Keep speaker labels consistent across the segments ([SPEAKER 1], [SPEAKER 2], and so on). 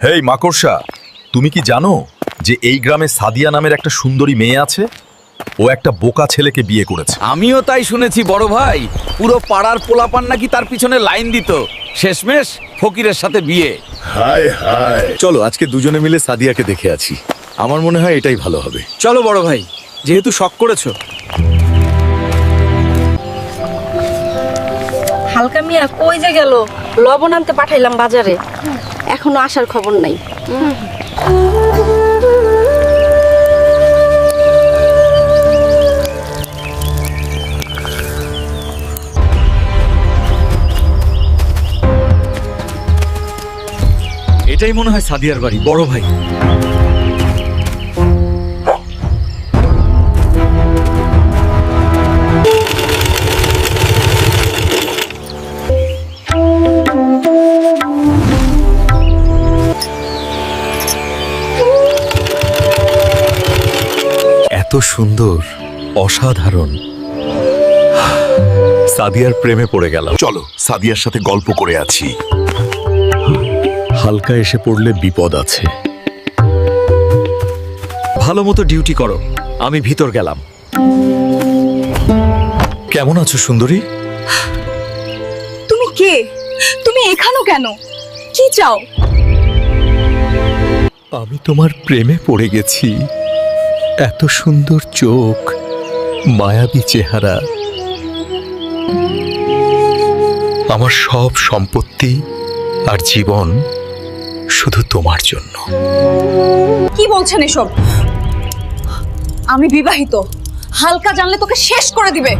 [SPEAKER 1] হেই মাকড়সা, তুমি কি জানো যে এই গ্রামে সাদিয়া নামের একটা সুন্দরী মেয়ে আছে? ও একটা বোকা ছেলেকে বিয়ে করেছে।
[SPEAKER 2] আমিও তাই শুনেছি বড় ভাই। পুরো পাড়ার পোলাপান নাকি তার পিছনে লাইন দিত। শেষমেশ ফকিরের সাথে বিয়ে।
[SPEAKER 3] হায় হায়, চলো আজকে দুজনে মিলে সাদিয়াকে দেখে আছি। আমার মনে হয় এটাই ভালো হবে।
[SPEAKER 2] চলো বড় ভাই, যেহেতু শখ করেছো।
[SPEAKER 4] হালকা মিয়া কই যে গেল? লবণ আনতে পাঠাইলাম বাজারে, এখনো আসার খবর নাই।
[SPEAKER 2] এটাই মনে হয় সাদিয়ার বাড়ি বড় ভাই।
[SPEAKER 3] এত সুন্দর, অসাধারণ। সাদিয়ার প্রেমে পড়ে গেলাম। চলো সাদিয়ার সাথে গল্প করে আছি। হালকা এসে পড়লে বিপদ আছে।
[SPEAKER 2] ভালো মতো ডিউটি করো, আমি ভিতর গেলাম।
[SPEAKER 3] কেমন আছো সুন্দরী?
[SPEAKER 5] তুমি কে? তুমি এখানেও কেন? কি চাও?
[SPEAKER 3] আমি তোমার প্রেমে পড়ে গেছি। এত সুন্দর চোখ, মায়াবী চেহারা। আমার সব সম্পত্তি আর জীবন শুধু তোমার জন্য।
[SPEAKER 5] কি বলছেন এসব? আমি বিবাহিত। হালকা জানলে তোকে শেষ করে দিবে।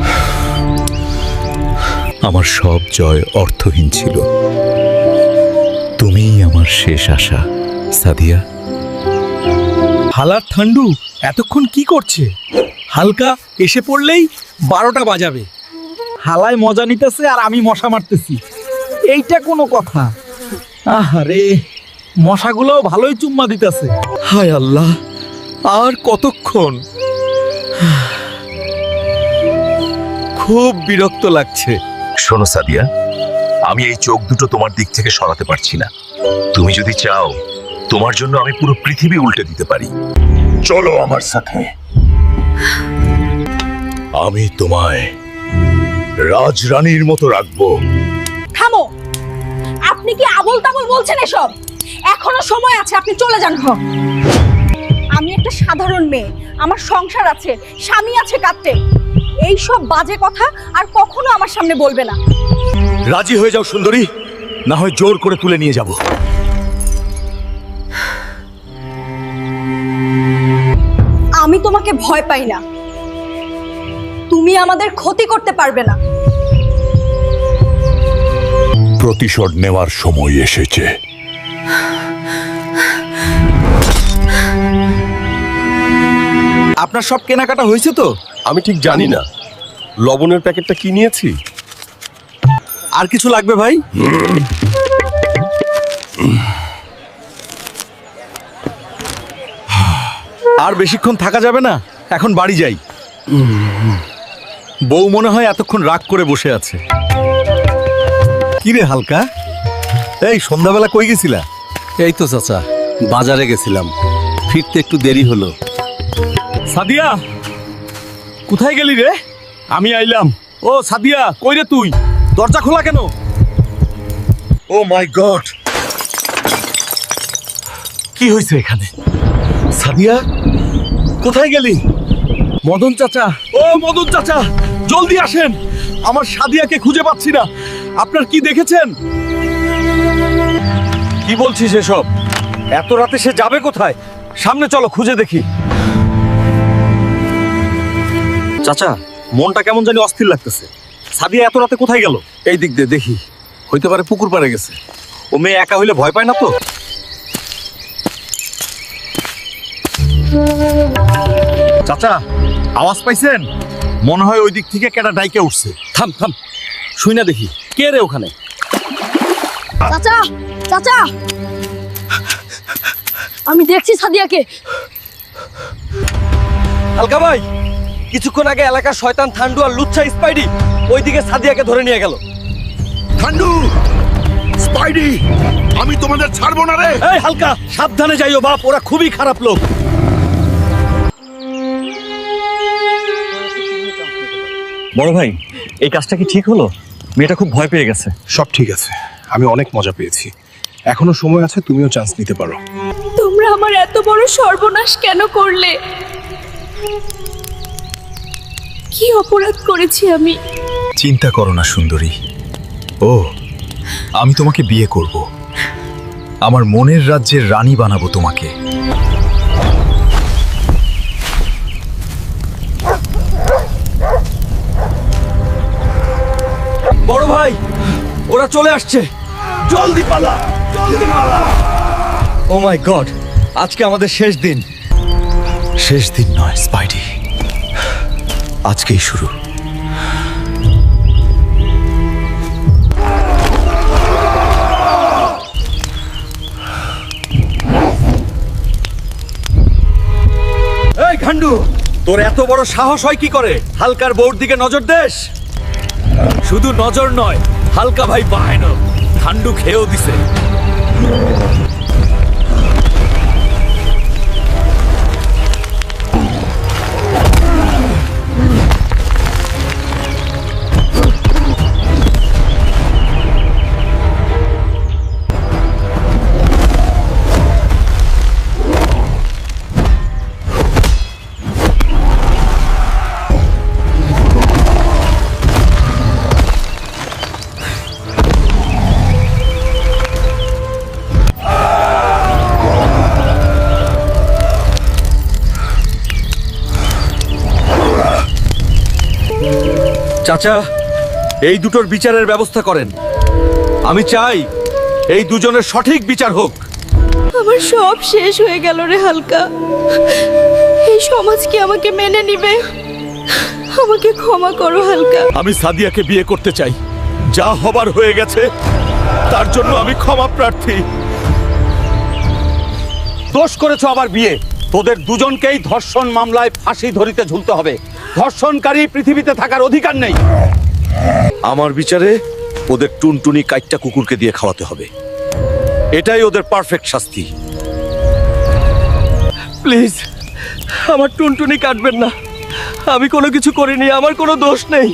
[SPEAKER 3] আমার সব জয় অর্থহীন ছিল। তুমিই আমার শেষ আশা সাদিয়া।
[SPEAKER 6] হালার ঠান্ডু এতক্ষণ কি করছে? হালকা এসে পড়লেই 12টা বাজাবে। হালায় মজা নিতেছে আর আমি মশা মারতেছি। এইটা কোনো কথা? আরে মশাগুলোও ভালোই চুম্মা দিতেছে।
[SPEAKER 3] হায় আল্লাহ, আর কতক্ষণ? খুব বিরক্ত লাগছে।
[SPEAKER 1] শোনো সাদিয়া, আমি এই চোখ দুটো তোমার দিক থেকে সরাতে পারছি না। তুমি যদি চাও, তোমার জন্য আমি পুরো পৃথিবী উল্টে দিতে পারি। চলো আমার সাথে। আমি তোমায় রাজরানীর মতো রাখবো।
[SPEAKER 5] থামো! আপনি কি আবোল তাবোল বলছেন এসব? এখনো সময় আছে, আপনি চলে যান। আমি একটা সাধারণ মেয়ে, আমার সংসার আছে, স্বামী আছে কাঁদতে। এই সব বাজে কথা আর কখনো আমার সামনে বলবে না।
[SPEAKER 1] রাজি হয়ে যাও সুন্দরী, না হয় জোর করে তুলে নিয়ে যাব।
[SPEAKER 5] আমি তোমাকে ভয় পাই না। তুমি আমাদের ক্ষতি করতে পারবে না।
[SPEAKER 3] প্রতিশোধ নেওয়ার সময় এসেছে।
[SPEAKER 2] আপনার সব কেনাকাটা হয়েছে তো?
[SPEAKER 3] আমি ঠিক জানি না, লবণের প্যাকেটটা কি নিয়েছি।
[SPEAKER 2] আর কিছু লাগবে ভাই? আর বেশিক্ষণ থাকা যাবে না, এখন বাড়ি যাই। বউ মনে হয় এতক্ষণ রাগ করে বসে আছে। কি রে হালকা, এই সন্ধ্যাবেলা কই গেছিলা?
[SPEAKER 7] এই তো চাচা, বাজারে গেছিলাম, ফিরতে একটু দেরি হলো।
[SPEAKER 2] সাদিয়া, কোথায় গেলি রে? আমি আইলাম। ও সাদিয়া, কই রে তুই? দরজা খোলা কেন?
[SPEAKER 1] ও মাই গড,
[SPEAKER 2] কি হয়েছে এখানে? সাদিয়া, কোথায় গেলি? মদন চাচা, ও মদন চাচা, জলদি আসেন। আমার সাদিয়াকে খুঁজে পাচ্ছি না। আপনার কি দেখেছেন? কি বলছিস এসব? এত রাতে সে যাবে কোথায়? সামনে চলো, খুঁজে দেখি। চাচা, মনটা কেমন জানি অস্থির লাগতেছে। সাদিয়া এত রাতে কোথায় গেল? এই দিক দিয়ে দেখি, হইতে পারে পুকুর পাড়ে গেছে। ও মেয়ে একা হইলে ভয় পায় না তো? চাচা, আওয়াজ পাইছেন? মনে হয় ওই দিক থেকে কেটা ডাইকে উঠছে। থাম থাম, শুই না দেখি কে রে ওখানে।
[SPEAKER 4] চাচা, চাচা, আমি দেখছি সাদিয়াকে।
[SPEAKER 2] হালকা ভাই, কিছুক্ষণ আগে এলাকার শয়তান ঠান্ডু আর লুচ্ছা স্পাইডি ওইদিকে সাদিয়াকে ধরে নিয়ে গেল। ঠান্ডু,
[SPEAKER 1] স্পাইডি, আমি তোমাদের ছাড়বো না রে।
[SPEAKER 2] এই হালকা, সাবধানে যাইও বাপ, ওরা খুবই খারাপ লোক।
[SPEAKER 8] বড় ভাই, এই কাজটা কি ঠিক হলো? মেয়েটা খুব ভয় পেয়ে গেছে।
[SPEAKER 9] সব ঠিক আছে, আমি অনেক মজা পেয়েছি। এখনো সময় আছে, তুমিও চান্স নিতে পারো।
[SPEAKER 5] তোমরা আমার এত বড় সর্বনাশ কেন করলে? কি অপরাধ করেছি আমি?
[SPEAKER 3] চিন্তা করো না সুন্দরী। ও, আমি তোমাকে বিয়ে করব, আমার মনের রাজ্যের রানী বানাবো তোমাকে।
[SPEAKER 2] বড় ভাই, ওরা চলে আসছে, জলদি পালা, জলদি পালা। ও মাই গড, আজকে আমাদের শেষ দিন।
[SPEAKER 3] শেষ দিন নয় স্পাইডি, আজকেই শুরু।
[SPEAKER 2] এই ঘান্ডু, তোর এত বড় সাহস হয় কি করে হালকার বউর দিকে নজর দেশ? শুধু নজর নয়, হালকা ভাই বাহানো ঘান্ডু খেয়েও দিছে। চাচা, এই দুটোর বিচারের ব্যবস্থা করেন। আমি চাই এই দুজনের সঠিক বিচার হোক।
[SPEAKER 5] আমার সব শেষ হয়ে গেল রে হালকা। এই সমাজ কি আমাকে মেনে নিবে? আমাকে ক্ষমা করো হালকা।
[SPEAKER 2] আমি সাদিয়াকে বিয়ে করতে চাই, যা হবার হয়ে গেছে তার জন্য আমি ক্ষমা প্রার্থী।
[SPEAKER 6] দোষ করেছো আবার বিয়ে। তোদের দুজনকেই ধর্ষণ মামলায় ফাঁসি ধরিতে ঝুলতে হবে। ধর্ষণকারী পৃথিবীতে থাকার অধিকার নেই।
[SPEAKER 2] আমার বিচারে ওদের টুনটুনি কাইটটা কুকুরকে দিয়ে খাওয়াতে হবে, এটাই ওদের পারফেক্ট শাস্তি। প্লিজ, আমার টুনটুনি কাটবেন না, আমি কোনো কিছু করিনি, আমার কোনো দোষ নেই।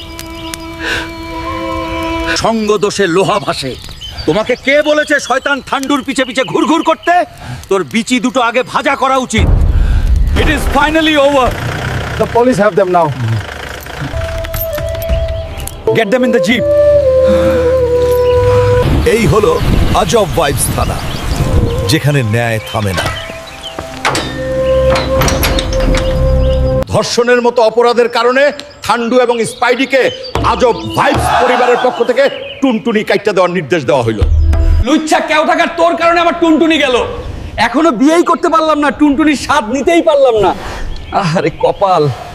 [SPEAKER 2] সঙ্গ দোষে লোহা ভাসে। তোমাকে কে বলেছে শয়তান ঠান্ডুর পিছে পিছে ঘুরঘুর করতে? তোর বিচি দুটো আগে ভাজা করা উচিত। It is finally over.
[SPEAKER 9] The police have them now.
[SPEAKER 2] Get them in the jeep.
[SPEAKER 3] এই হলো আজব ভাইবস থানা, যেখানে ন্যায় থামে না।
[SPEAKER 6] ধর্ষণের মতো অপরাধের কারণে ঠান্ডু এবং স্পাইডিকে আজব ভাইবস পরিবারের পক্ষ থেকে টুনটুনি কাইটটা দেওয়ার নির্দেশ দেওয়া হইল।
[SPEAKER 2] লুচ্ছা কেউ টাকার তোর কারণে আমার টুনটুনি গেল। এখনো বিয়েই করতে পারলাম না, টুনটুনির স্বাদ নিতেই পারলাম না। আরে কপাল।